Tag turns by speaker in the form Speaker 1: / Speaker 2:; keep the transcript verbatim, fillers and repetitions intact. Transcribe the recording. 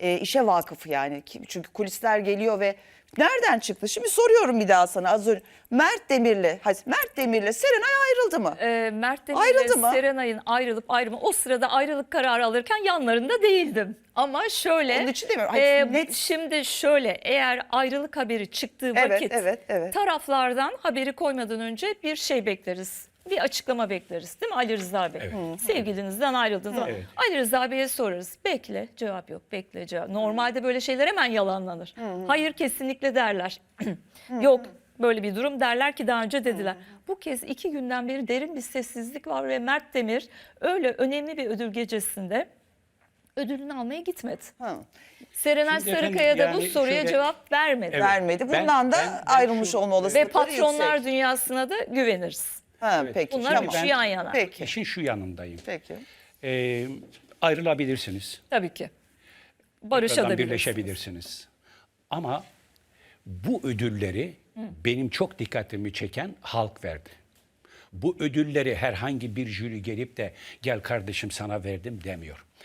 Speaker 1: e, işe vakıf yani. Çünkü kulisler geliyor ve nereden çıktı? Şimdi soruyorum bir daha sana az önce. Mert Demir'le, Mert Demir'le Serenay ayrıldı mı?
Speaker 2: Ee, Mert
Speaker 1: Ayrıldı
Speaker 2: Demir'le
Speaker 1: mı?
Speaker 2: Serenay'ın ayrılıp ayrımı, o sırada ayrılık kararı alırken yanlarında değildim. Ama şöyle,
Speaker 1: Onun için demiyorum. Hayır,
Speaker 2: e,
Speaker 1: net.
Speaker 2: şimdi şöyle, eğer ayrılık haberi çıktığı
Speaker 1: Evet,
Speaker 2: vakit
Speaker 1: evet, evet.
Speaker 2: taraflardan haberi koymadan önce bir şey bekleriz. Bir açıklama bekleriz, değil mi Ali Rıza Bey?
Speaker 3: Evet.
Speaker 2: Sevgilinizden ayrıldığınız zaman
Speaker 3: Evet.
Speaker 2: Ali Rıza Bey'e sorarız. Bekle, cevap yok, bekle cevap. Normalde böyle şeyler hemen yalanlanır. Hayır, kesinlikle derler. Yok böyle bir durum derler ki daha önce dediler. Bu kez iki günden beri derin bir sessizlik var ve Mert Demir öyle önemli bir ödül gecesinde ödülünü almaya gitmedi.
Speaker 1: Ha.
Speaker 2: Serenay
Speaker 3: Şimdi efendim,
Speaker 2: Sarıkaya da bu
Speaker 3: yani
Speaker 2: soruya
Speaker 3: şöyle-
Speaker 2: cevap vermedi.
Speaker 3: Evet.
Speaker 1: Vermedi.
Speaker 3: Ben-
Speaker 1: Bundan da
Speaker 3: ben- ben
Speaker 1: ayrılmış
Speaker 3: şu-
Speaker 1: olma
Speaker 2: Ve
Speaker 1: olasılıkları
Speaker 2: patronlar
Speaker 1: yüksek.
Speaker 2: dünyasına da güveniriz.
Speaker 1: Ha,
Speaker 3: Evet.
Speaker 1: peki.
Speaker 2: Bunlar
Speaker 1: tamam.
Speaker 2: üçü yan yana.
Speaker 1: Peki.
Speaker 3: İşin şu yanındayım.
Speaker 1: Peki.
Speaker 3: Ee, ayrılabilirsiniz.
Speaker 2: Tabii ki.
Speaker 3: Tekrardan
Speaker 2: Barışabilirsiniz.
Speaker 3: birleşebilirsiniz. Ama bu ödülleri benim çok dikkatimi çeken halk verdi. Bu ödülleri herhangi bir jüri gelip de gel kardeşim sana verdim demiyor.